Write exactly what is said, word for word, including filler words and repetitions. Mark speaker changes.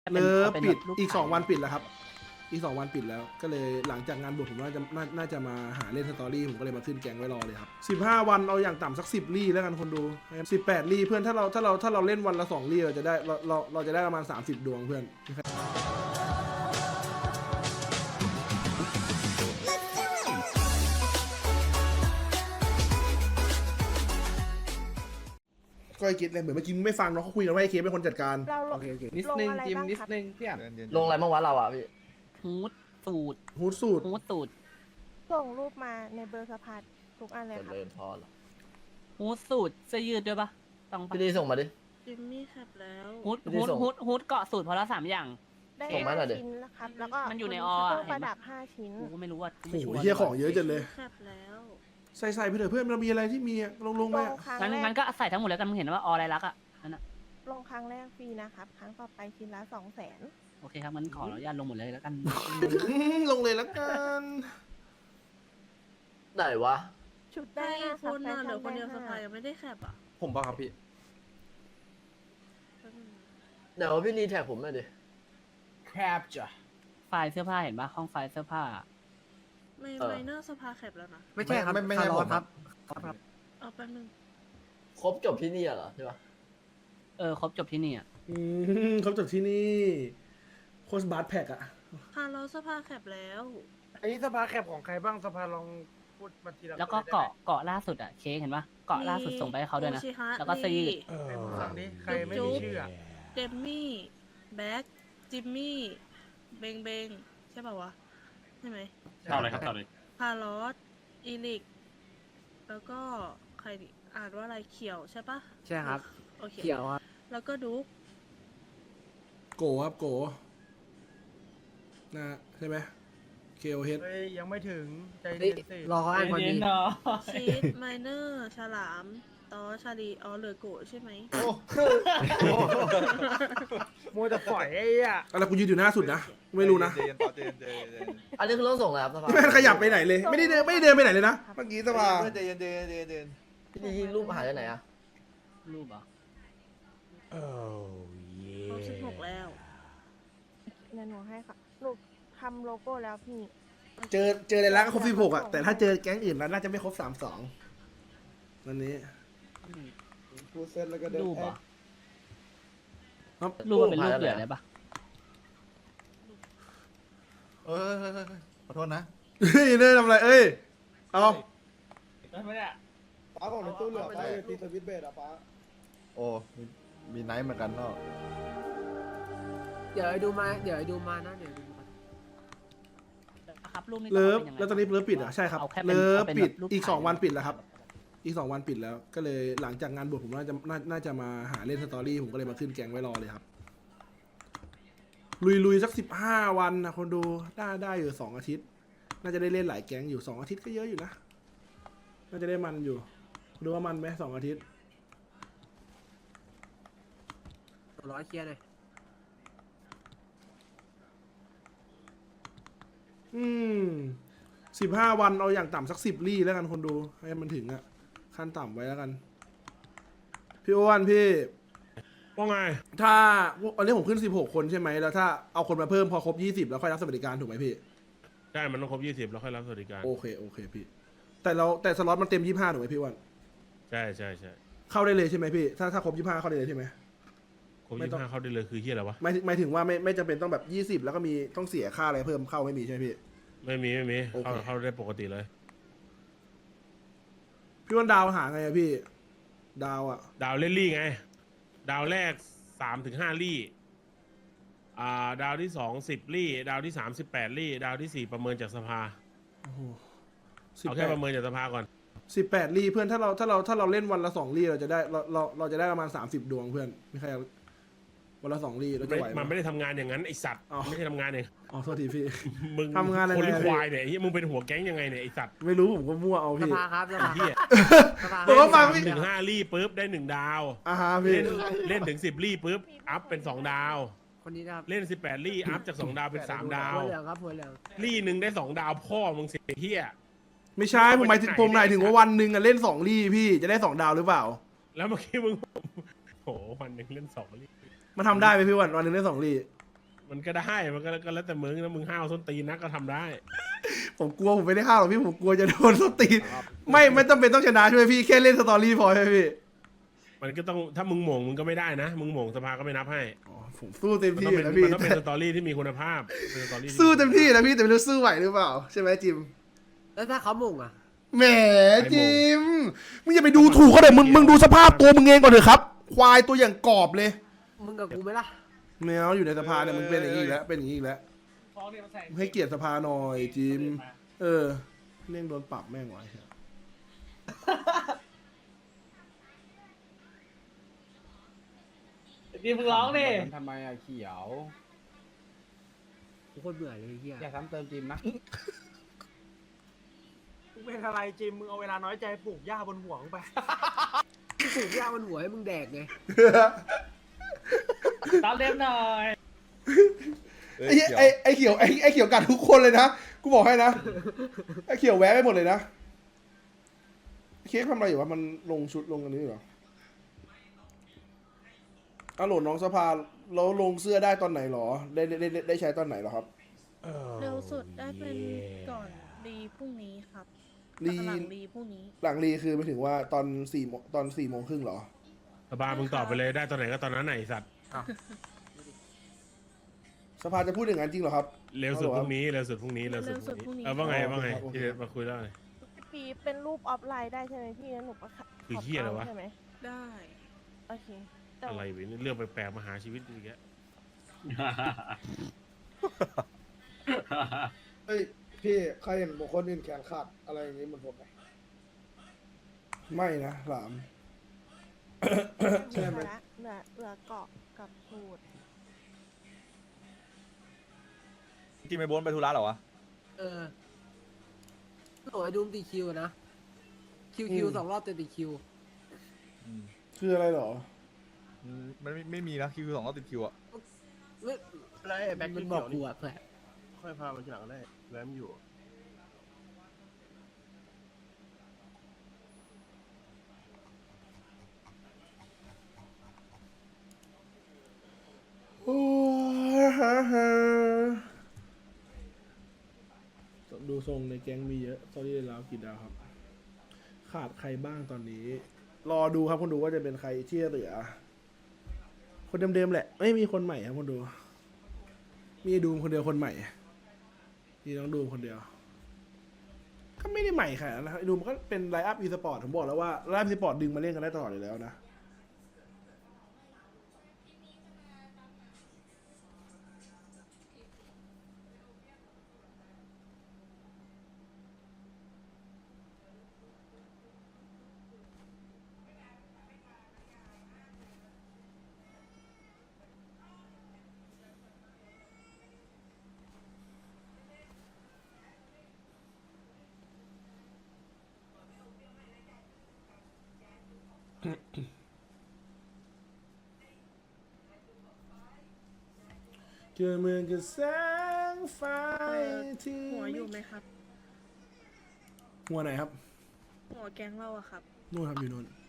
Speaker 1: เลิฟปิดอีกสองวันปิดแล้วครับอีกสองวันปิดแล้วก็เลยหลังจากงานบวชผมน่าจะน่าน่าจะมาหาเล่นสตอรี่ผมก็เลยมาขึ้นแกงไว้รอเลยครับสิบห้าวันเอาอย่างต่ำสักสิบลี่แล้วกันคนดูสิบแปดลี่เพื่อนถ้าเราถ้าเราถ้าเราเล่นวันละสองลี่เราจะได้เราเราเราจะได้ประมาณสามสิบดวงเพื่อนก็ไอ้เกดเลยเหมือนเมื่อกี้ไม่ฟังเนาะเขาคุยกันว่าไอ้เคเป็นคนจัดการ
Speaker 2: เราล
Speaker 3: โอง เคโอเคนิดนึง
Speaker 2: ลงอะไร
Speaker 3: จิม
Speaker 2: บ้าง
Speaker 3: นิด
Speaker 2: ครับ
Speaker 3: นึงพี่อ่ะ
Speaker 4: ลงอะไรบ้างวะเราอ่ะพี่
Speaker 5: ฮูดสูตร
Speaker 1: ฮูดสูตร
Speaker 5: ฮูดสูตร
Speaker 2: ส่งรูปมาในเบอร์สะพานทุกอันเลย
Speaker 4: เจ
Speaker 2: ครับ
Speaker 4: ริญพรเหรอ
Speaker 5: ฮูดสูตรเสื้อยืดด้วยปะต้องปะ
Speaker 4: พี่ดีส่งมาดิ
Speaker 6: จิมมี่แคปแล้ว
Speaker 5: ฮูด
Speaker 4: ไม่ได้
Speaker 5: ฮูด
Speaker 4: ส่ง
Speaker 5: ฮูดฮูดเกาะสูตรพอละสามอย่าง
Speaker 2: ได้
Speaker 4: ส่งมา
Speaker 2: ห้า
Speaker 4: หน่อยดิ
Speaker 2: ชิ้นนะครับ แล้วก็
Speaker 5: มันอยู่ใน
Speaker 2: บ
Speaker 5: ออะ
Speaker 2: เครื่องประดับห้าชิ้น
Speaker 5: กูก็ไม่รู้ว่ากู
Speaker 1: โอ้
Speaker 5: ไม่
Speaker 1: โห
Speaker 5: ชัวร์
Speaker 1: เฮียของเยอะจังเลย
Speaker 6: แคปแล้ว
Speaker 1: ใส่ใส่ไปเถอะเพื่อนเรามีอะไรที่มีอะลงลงไป
Speaker 2: ล
Speaker 1: อะ
Speaker 2: งครั้ง
Speaker 5: งั้น
Speaker 2: แร
Speaker 5: งั้
Speaker 2: ก
Speaker 5: นก็ใส่ทั้งหมดแล้วกันมึงเห็นว่าออะไรลักษณ์อ่ะนั่นอ่ะ
Speaker 2: ลงครั้งแรกฟรีนะครับ ครั้งต่อไปชิ้นละสองแสน
Speaker 5: โอเคครับงั้นขออนุญาตลงหมดเลยแล้วกัน
Speaker 1: ลงเลยแล้วกัน
Speaker 4: ไหนวะ
Speaker 2: ชุด
Speaker 6: ได้
Speaker 2: ได้
Speaker 6: ค
Speaker 2: รับ
Speaker 6: นน่ะ
Speaker 2: แฟ
Speaker 6: เดี๋ยวคน
Speaker 2: ได้
Speaker 6: เดียวส
Speaker 2: ห้า
Speaker 6: ภายังไม่ได้แคปอ่ะ
Speaker 3: ผมป่ะครับพี่
Speaker 4: เดี๋ยวพี่รีแท็กผมหน่อยดิ
Speaker 3: แคปจ้ะ
Speaker 5: ไฟล์เสื้อผ้าเห็นปะห้องไฟล์เสื้อผ้า
Speaker 6: ไม่
Speaker 4: เออ
Speaker 6: ไมเนอร์สภาแคปแล้วนะ
Speaker 3: ไม่ใช่ครับ
Speaker 7: ไม่ไม่ใช่
Speaker 3: คาร์ลอ
Speaker 7: ผม
Speaker 3: ส
Speaker 7: ค
Speaker 3: ค
Speaker 7: รั
Speaker 3: รับ บครับ
Speaker 6: เอาแป๊บนึง
Speaker 4: ครบจบที่นี่เหรอใช่ปะ
Speaker 5: เออครบจบที่นี่อ่ะ
Speaker 1: อืมเขาจบที่นี่โค้ชบาร์แพ็กอะ
Speaker 6: คาร์ลอสสภาแคปแล้ว
Speaker 3: อันนี้สภาแคปของใครบ้างสภาลองพูดมาทีละ
Speaker 5: แล้วก็
Speaker 3: คนได้ไหม
Speaker 5: เกาะเกาะล่าสุดอ่ะเค้กเห็นปะเกาะล่าสุดส่งไปให้เขาด้วยนะ
Speaker 6: โอชิฮะ
Speaker 5: แล้วก็เสื้อยืด
Speaker 6: ลี
Speaker 3: ไอ้มึงฟังดิใครไม่มีชื่ออะ
Speaker 6: เดมมี่แบ็กจิมมี่เบงเบงใช่ป่าวะใช่ไหม
Speaker 8: ต่อเลยครับต่อเลย
Speaker 6: คาร์ลอสอีลิกแล้วก็ใครดิอ่านว่าอะไรเขียวใช่ปะ
Speaker 3: ใช่ครับ
Speaker 6: โอเค
Speaker 3: เขียวครับ
Speaker 6: แล้วก็ดุ๊ก
Speaker 1: โกครับโกนะใช่ไหมเคโอเฮด
Speaker 3: เฮ้ยยังไม่ถึงใจ
Speaker 7: เฮ้ย
Speaker 3: เย็นสิ
Speaker 7: รอเขาอ่านก่อนดี
Speaker 6: ชีสไมเนอร์ฉลามตอชาลีอ๋อเหลือโกะใช่ไหม
Speaker 3: มัวแต่ปล่อยไอ้อะ
Speaker 1: อะไรกูยืนอยู่หน้าสุดนะไม่รู้นะ
Speaker 7: เจนต่อเจนเจนเจน
Speaker 4: อันนี้คือต้องส่งอะไรครับสภา
Speaker 1: ไม่ขยับไปไหนเลย ไม่ได้เดินไม่ได้เดินไปไหนเลยนะเมื่อกี้สภา
Speaker 7: เจนเจนเจนเจน
Speaker 4: พี่ดีรูปหายไปไหนอ่ะ
Speaker 5: รูปเหรอ
Speaker 3: โอ้เย่
Speaker 6: ครบสิบหกแล้ว
Speaker 2: เดี๋ยวหนูให้ค่ะหนูทำโลโก้แล้วพี่
Speaker 1: เจอเจอในร้านก็ครบสิบหกอะแต่ถ้าเจอแก๊งอื่นแล้วน่าจะไม่ครบสามสองวันนี้
Speaker 7: พูดเสร็จแล้วก็เดิน
Speaker 5: รูปเหรอ
Speaker 1: ครับ
Speaker 5: รูปมันเป็นรูปเหลือได้ปะ
Speaker 7: เออขอโทษนะ
Speaker 1: เฮ้ยเนยทำอะไรเอ้ยเอา
Speaker 7: ป้าของในตู้เหลือไปตีสวิตเบสอะป้าโอ้มีมีไนท์เหมือนกันเนาะ
Speaker 9: เดี๋ยวไอ้ดูมา เดี๋ยวไอ้ดูมานะ เดี๋ยวดูมา
Speaker 5: ครับรูปนี้
Speaker 1: เลิฟ
Speaker 5: ป็ยังไง
Speaker 1: แล้วตอนนี้เลิฟปิดเหรอใช่ครับ
Speaker 5: อาแค่ป็น
Speaker 1: เลิฟ
Speaker 5: อาเป็น
Speaker 1: ปิด
Speaker 5: แบบรูป
Speaker 1: อีกสอง
Speaker 5: ถ่าย
Speaker 1: วันปิดแล้วครับ อีกสองวันปิดแล้ว ก็เลยหลังจากงานบวชผมน่าจะน่าน่าจะมาหาเล่นสตอรี่ผมก็เลยมาขึ้นแกงไว้รอเลยครับ ลุยลุยสักสิบห้าวันนะคนดูได้ได้อยู่สองอาทิตย์ น่าจะได้เล่นหลายแก๊งอยู่สองอาทิตย์ก็เยอะอยู่นะ น่าจะได้มันอยู่ ดูว่ามันไหมสองอาทิตย์
Speaker 9: ร้อยเคลียร์หน่อย
Speaker 1: อืมสิบห้าวันเอาอย่างต่ำสักสิบลี่แล้วกันคนดูให้มันถึงอะขั้นต่ำไว้แล้วกัน พี่อ้วนพี่
Speaker 8: ว่าไง
Speaker 1: ถ้าอันนี้ผมขึ้นสิบหกคนใช่ไหมแล้วถ้าเอาคนมาเพิ่มพอครบยี่สิบแล้วค่อยรับสวัสดิการถูกไหมพี่
Speaker 8: ใช่ มันต้องครบยี่สิบแล้วค่อยรับสวัสดิการ
Speaker 1: โอเคโอเคพี่ แต่เราแต่สล็อตมันเต็มยี่ห้าถูกไหมพี่อ้วน
Speaker 8: ใช่ใช่ใช่
Speaker 1: เข้าได้เลยใช่ไหมพี่ถ้าถ้าครบยี่ห้าเข้าได้เลยใช่ไหม
Speaker 8: ครบ
Speaker 1: ไม่
Speaker 8: ยี่
Speaker 1: ต้อง
Speaker 8: ห้าเข้าได้เลยคือเฮียอะไรวะ
Speaker 1: ไม่ไม่ถึงว่าไม่ไม่จำเป็นต้องแบบยี่สิบแล้วก็มีต้องเสียค่าอะไรเพิ่มเข้าไม่มีใช่ไหมพี่
Speaker 8: ไม่มีไม่มี
Speaker 1: โอเค
Speaker 8: เข้าเข้าได้ปกติเลย
Speaker 1: พี่อ้วนดาวหาไงอะพี่ ดาวอะ
Speaker 8: ดาวเล่นลี่ไง ดาวแรกสามถึงห้าลี่ อ่า ดาวที่สองสิบลี่ ดาวที่สามสิบแปดลี่ ดาวที่สี่ประเมินจากสภา
Speaker 1: โอ้โหสิบ
Speaker 8: เอา
Speaker 1: แป
Speaker 8: แค่
Speaker 1: ด
Speaker 8: ประเมินจากสภาก่อน
Speaker 1: สิบแปดลี่เพื่อนถ้าเราถ้าเราถ้าเราเล่นวันละสองลี่เราจะได้เราเราเราจะได้ประมาณสามสิบดวงเพื่อนไม่ใช่วันละสองลี่เราจะไหว
Speaker 8: มัน
Speaker 1: ไหม
Speaker 8: ไม่ได้ทำงานอย่างนั้นไอสัตว์
Speaker 1: อ๋อ
Speaker 8: ไม่ใช่ทำงานอย่าง
Speaker 1: อ๋อโทษทีพี่
Speaker 8: มึง
Speaker 1: ทำงานอะไร
Speaker 8: คนหรือ
Speaker 1: เนี่ย
Speaker 8: ควายเนี่ยไอ้เหี้ยมึงเป็นหัวแก๊งยังไงเนี่ยไอสัตว์
Speaker 1: ไม่รู้ผมก็มั่วเอา
Speaker 9: ส
Speaker 1: พี่
Speaker 9: ภาครับสภา
Speaker 8: เหี้ย
Speaker 9: สภา
Speaker 1: ผมก็ฟัง
Speaker 8: สาม
Speaker 1: พี่
Speaker 8: ถึงห้าลี่ปุ๊บได้หนึ่งดาว
Speaker 1: อ่าฮะพี่
Speaker 8: เล่นเล่นถึงสิบลี่ปุ๊บอัพเป็นสองดาว
Speaker 9: คนนี้นะครับ
Speaker 8: เล่นสิบแปดลี่อัพจากสองดาวเป็นสามดาว
Speaker 9: หัวเหลืองครับหัวเหลือง
Speaker 8: ลี่หนึ่งได้สองดาวพ่อมึงเสียเฮีย
Speaker 1: ไม่ใช่ผมหมายถึงผมหมายถึงว่าวันหนึ่งอะเล่นสองลี่พี่จะได้สองดาวหรือเปล่า
Speaker 8: แล้วเมื่อกี้มึงโอ้โหวันหนึ่งเล่นสองลี่
Speaker 1: มันทำได้ไหมพี่วันวันหนึ่งเล่นสองลี่
Speaker 8: มันก็ได้มันก็ก็แล้วแต่มึงนะมึงห้าวส้นตีนนักก็ทำได้
Speaker 1: ผมกลัวผมไม่ได้ห้าวหรอกพี่ผมกลัวจะโดนสตีนไม่ไม่ต้องเป็นต้องชนะใช่ไหมพี่แค่เล่นสตอรี่พอใช่ไหมพี่
Speaker 8: มันก็ต้องถ้ามึงหม่งมึงก็ไม่ได้นะ มึงหม่งสภาก็ไม่นับให้
Speaker 1: อ๋อผมสู้เต็ม
Speaker 8: มัน
Speaker 1: ที่
Speaker 8: ต้อง
Speaker 1: อ
Speaker 8: เป็น
Speaker 1: ยู่นะพี่
Speaker 8: มันต้องเป็นสตอรี่ที่มีคุณภาพเป็นสตอรี่ที่
Speaker 1: สู้เต็มที่นะพี่แต่ไม่รู้สู้ไหวหรือเปล่าใช่ไหมจิม
Speaker 9: แล้วถ้าเขามุ่งอ่ะ
Speaker 1: แหมจิมมึงอย่าไปดูถูกเขาเลยมึงมึงดูสภาพตัวมึงเองก่อนเถอะครับ ควายตัวอย่างกรอบเลย
Speaker 9: มึงกับกูไหมล่ะ
Speaker 1: แมวอยู่ในสภาเนี่ยมึงเป็นอย่างนี้อีกแล้วเป็นอย่างนี้อีกแล้วให้เกียรติสภาหน่อยจิมเออเร่งโดนปรับแม่งไว้
Speaker 5: ดีมึงร้องดิ
Speaker 7: ทำไมอะเขียว
Speaker 9: กูโคตรเบื่อเลยไอ้เฮีย
Speaker 7: อย่าซ้ำเติมจิมนะ
Speaker 3: มึงเป็นอะไรจิมมึงเอาเวลาน้อยใจปลูกหญ้าบนหัวมึงไป
Speaker 9: กูปลูกหญ้ามันหัวให้มึงแดกไง
Speaker 5: ตามเต็มหน่อย
Speaker 1: ไอ้ไอ้ไอ้เขียวไอ้ไอ้เขียวกัดทุกคนเลยนะกูบอกให้นะไอ้เขียวแวะไปหมดเลยนะเค้กทำอะไรอยู่วะมันลงชุดลงอันนี้เหรออ้าวโหลดน้องสภาแล้วลงเสื้อได้ตอนไหนหรอได้ได้ได้ได้ใช้ตอนไหนหรอครับ
Speaker 6: เร็วสุดได้เป็นก่อนรีพรุ่งนี้ครับ
Speaker 1: รี
Speaker 6: หลังรีพรุ่งนี้
Speaker 1: หลังรีคือไปถึงว่าตอนสี่โมงตอนสี่โมงครึ่งเหรอ
Speaker 8: สภามึงตอบไปเลยได้ตอนไหนก็ตอนนั้นไหนไอ้สัตว์
Speaker 1: สภาจะพูดอย่างนั้นจริงเหรอครับ
Speaker 8: เร็วสุดพรุ่งนี้เร็วสุดพรุ่งนี้เร็วสุดพรุ่งนี้เออว่าไงว่าไง
Speaker 1: โอเค
Speaker 8: ที่เด็ดมาคุยแล้วไง
Speaker 2: พี่เป็นรูปออฟไลน์ได้ใช่ไหมพี่งั้นหนูก็ขับ
Speaker 8: คือเหี้ยอะไรวะ
Speaker 2: ใช่ไหม
Speaker 6: ได้
Speaker 2: โอเคแต่
Speaker 8: อะไรเว้ยเรื่องแปลกๆมาหาชีวิตอีกแล้ว
Speaker 7: เฮ้ย พี่ใครเห็นบุคคลอื่นแขนขาดอะไรอย่างนี้เหมือนผมไหม
Speaker 1: ไม่นะหลาม
Speaker 2: ใช่ไหมเหลือเหลือเกาะกับสูตร
Speaker 10: กินไปโบนไปธุระเหรอวะ
Speaker 9: เออโอ้ยดูมตีคิวนะ คิวคิวสองรอบติดติดคิว
Speaker 1: คืออะไรเหรอ
Speaker 10: มันไม่ไม่มีนะคิวสองรอบติดคิวอะ
Speaker 9: ไม่
Speaker 3: อะไรแบ็ค
Speaker 9: มันบอกกูอะเพื่อน
Speaker 3: ค่อยพามาทีหลังได้แวมอยู่
Speaker 1: โอ้ยฮ่าฮ่าดูทรงในแก๊งมีเยอะตอนนี้ได้แล้วกี่ดาวครับ ขาดใครบ้างตอนนี้ รอดูครับคนดูว่าจะเป็นใครที่เหลือ คนเดิมๆแหละ ไม่มีคนใหม่ครับคนดู มีดูมคนเดียวคนใหม่ มีน้องดูมคนเดียว ก็ไม่ได้ใหม่ขนาดนั้นนะครับดูมันก็เป็นไลน์อัพอีสปอร์ตผมบอกแล้วว่าไลน์อัพอีสปอร์ตดึงมาเล่นกันได้ตลอดอยู่แล้วนะเกิดเมืองกับแสงไฟที่
Speaker 6: หัวอยู่ไหมครับ
Speaker 1: หัวไหนครับ
Speaker 6: หัวแก๊งเราอะครับ
Speaker 1: นู่นครับอยู่นู่น